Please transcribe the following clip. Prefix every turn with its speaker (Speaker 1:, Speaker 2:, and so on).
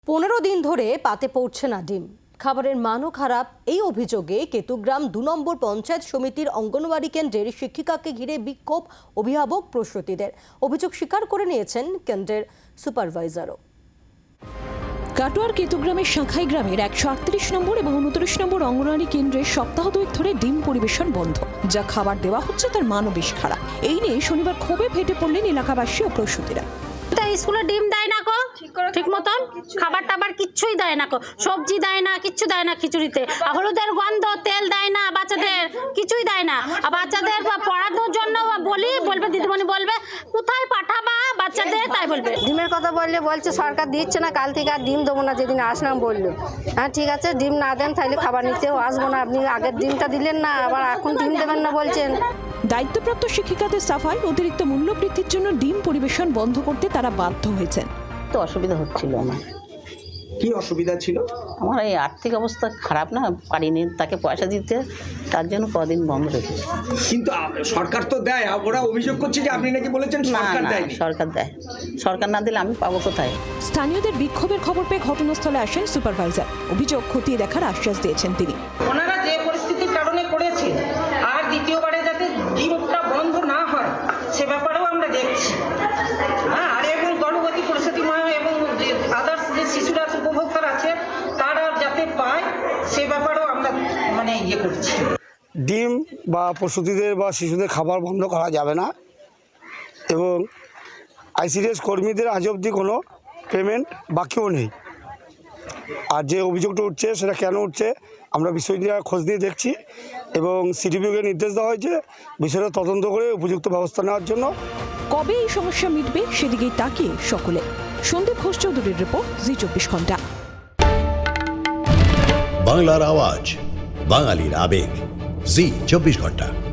Speaker 1: 15 দিন ধরে পাতে পড়ছে না ডিম, খাবারের মানও খারাপ। এই অভিযোগে কেতুগ্রাম 2 নম্বর পঞ্চায়েত সমিতির অঙ্গনওয়াড়ি কেন্দ্রের শিক্ষিকাকে ঘিরে বিক্ষোভ অভিভাবক প্রসূতিদের। অভিযোগ স্বীকার করে নিয়েছেন কেন্দ্রের সুপারভাইজারও।
Speaker 2: কাটোয়ার কেতুগ্রামের শাখাই গ্রামের 138 নম্বর এবং 29 নম্বর অঙ্গনওয়াড়ি কেন্দ্রে সপ্তাহ দুয়েক ধরে ডিম পরিবেশন বন্ধ, যা খাবার দেওয়া হচ্ছে তার মানও বেশ খারাপ। এই নিয়ে শনিবার ক্ষোভে ফেটে পড়লেন এলাকাবাসী ও প্রসূতিরা।
Speaker 3: স্কুলে ডিম দেয় না কো ঠিক মতন, খাবার টাবার কিচ্ছুই দেয় না কো, সবজি দেয় না, কিচ্ছু দেয় না, খিচুড়িতে হলুদের গন্ধ, তেল দেয় না, বাচ্চাদের কিছুই দেয় না। আর বাচ্চাদের পড়ানোর জন্য বলবে দিদিমণি বলবে কোথায় পাঠাবা বাচ্চাদের, তাই বলবে।
Speaker 4: ডিমের কথা বলছে সরকার দিচ্ছে না, কাল থেকে আর ডিম দেবো না, যেদিন আসলাম বললো হ্যাঁ ঠিক আছে ডিম না দেন তাহলে খাবার নিতেও আসবো না, আপনি আগের ডিমটা দিলেন না আবার এখন ডিম দেবেন না বলছেন।
Speaker 2: দায়িত্বপ্রাপ্ত শিক্ষিকাদের সাফাই, অতিরিক্ত মূল্য বৃদ্ধির জন্য ডিম পরিবেশন বন্ধ করতে তারা বাধ্য হয়েছেন।
Speaker 5: তো অসুবিধা হচ্ছিল আমার।
Speaker 6: কি অসুবিধা ছিল?
Speaker 5: আমার এই আর্থিক অবস্থা খারাপ না, পারিনি তাকে পয়সা দিতে, তার জন্য কদিন বন্ধ রেখেছি।
Speaker 6: কিন্তু সরকার তো দেয়, ওরা অভিযোগ করছে যে আপনি নাকি বলেছেন সরকার দেয়।
Speaker 5: সরকার দেয়, সরকার না দিলে আমি পাবো কোথায়?
Speaker 2: স্থানীয়দের বিক্ষোভের খবর পেয়ে ঘটনাস্থলে আসেন সুপারভাইজার। অভিযোগ খতিয়ে দেখার আশ্বাস দিয়েছেন তিনি।
Speaker 7: ওনারা যে পরিস্থিতির কারণে করেছে আর দ্বিতীয়বারে যাতে ডিমটা বন্ধ না হয় সে ব্যাপারেও আমরা দেখছি। আর এবং গর্ভবতী প্রসূতিময় এবং আদার্স যে শিশুরা উপভোক্তারা আছে তারা যাতে পায় সে ব্যাপারেও আমরা ইয়ে করছি।
Speaker 8: ডিম বা প্রসূতিদের বা শিশুদের খাবার বন্ধ করা যাবে না এবং আইসিডিএস কর্মীদের আজ অবধি কোনো পেমেন্ট বাকিও নেই। আর যে অভিযোগটা উঠছে সেটা কেন উঠছে আমরা বিষয়টি খোঁজ নিয়ে দেখছি এবং সিডিপিওকে নির্দেশ দেওয়া হয়েছে বিষয়টা তদন্ত করে উপযুক্ত ব্যবস্থা নেওয়ার জন্য।
Speaker 2: কবে এই সমস্যা মিটবে সেদিকেই তাকিয়ে সকলে। সন্দীপ ঘোষ চৌধুরীর রিপোর্ট, জি24 ঘন্টা।
Speaker 9: বাংলার আওয়াজ, বাঙালির আবেগ, জি24 ঘন্টা।